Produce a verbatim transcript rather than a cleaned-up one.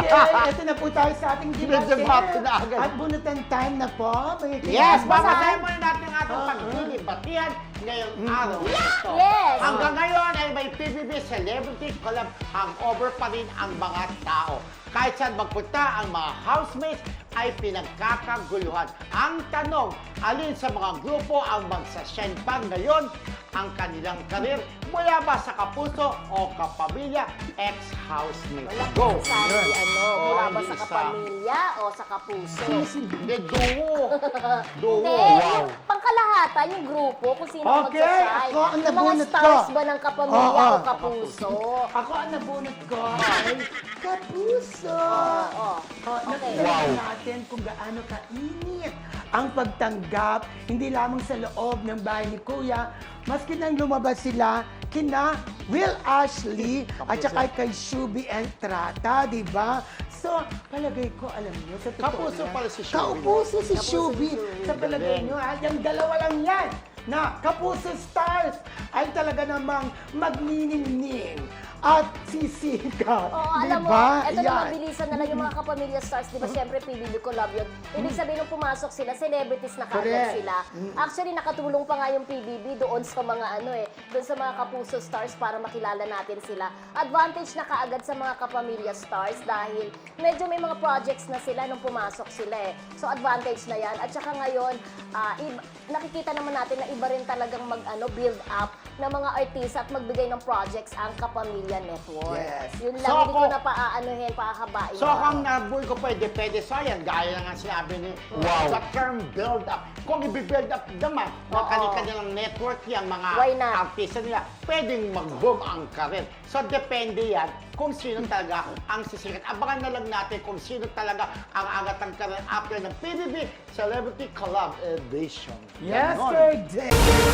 Okay, ito na po tayo sa ating debate. Debate na agad. At bunutan time na po. May Yes, kinabahan. babasahin muna natin ang ating Oo. pagdilibatihan ngayong araw na ito. Yes. Hanggang ngayon ay may P B B Celebrity Collab hangover pa rin ang mga tao. Kahit saan magpunta ang mga housemates ay pinagkakaguluhan. Ang tanong, alin sa mga grupo ang magsashine pa ngayon ang kanilang karir mula ba sa kapuso o kapamilya ex-housemate? Go! Sabi, ano, Oh, mula ba hindi sa isa. kapamilya o sa kapuso? Hindi, duo. Duo. Hindi, yung pangkalahatan, yung grupo, kung sino Okay, magsasay. ako ang Yung mga nabunot stars ko. ba ng kapamilya Oo. o kapuso? Ako ang nabunot ko ay kapuso. Oo. Oh, Okay. nakita natin kung gaano kainit ang pagtanggap, hindi lamang sa loob ng bahay ni Kuya, maski nang lumabas sila kina Will Ashley at saka kay Shubi Entrata, di ba? So, palagay ko, alam niyo, sa totoo Kapuso lang, pala si Shubi. Kapuso si Kapuso Shubi. si Shubi. Sa palagay niyo, ha, yung dalawa lang yan na Kapuso Stars ay talaga namang magniningning at sisikat. Oo, Di alam mo, ba? eto na Yan. mabilisan na lang yung mga kapamilya stars, di ba siyempre P B B Collab yun. Ibig sabihin nung pumasok sila, celebrities na Correct. kaagad sila. Actually, nakatulong pa nga yung P B B doon sa mga ano eh, doon sa mga kapuso stars para makilala natin sila. Advantage na kaagad sa mga kapamilya stars dahil medyo may mga projects na sila nung pumasok sila eh. So advantage na yan. At saka ngayon, ah, iba- nakikita naman natin na iba rin talagang mag ano, build up ng mga artista at magbigay ng projects ang Kapamilya Network. Yes. Yun lang, So hindi ko ako- na paaanuhin, pahahabain. So kung nabuhay ko pa, depende sa yan. Gaya na nga sinabi ni Wow. sa term build up. Kung i-build up naman ng Oo. kanilang network yung mga Why not? artista nila, pwedeng mag-boom ang karir. So depende yan kung sino talaga ang sisikat. Abangan na lang natin kung sino talaga ang angat ng karir after ng P B B Celebrity Collab Edition. Yes, Ganon. sir.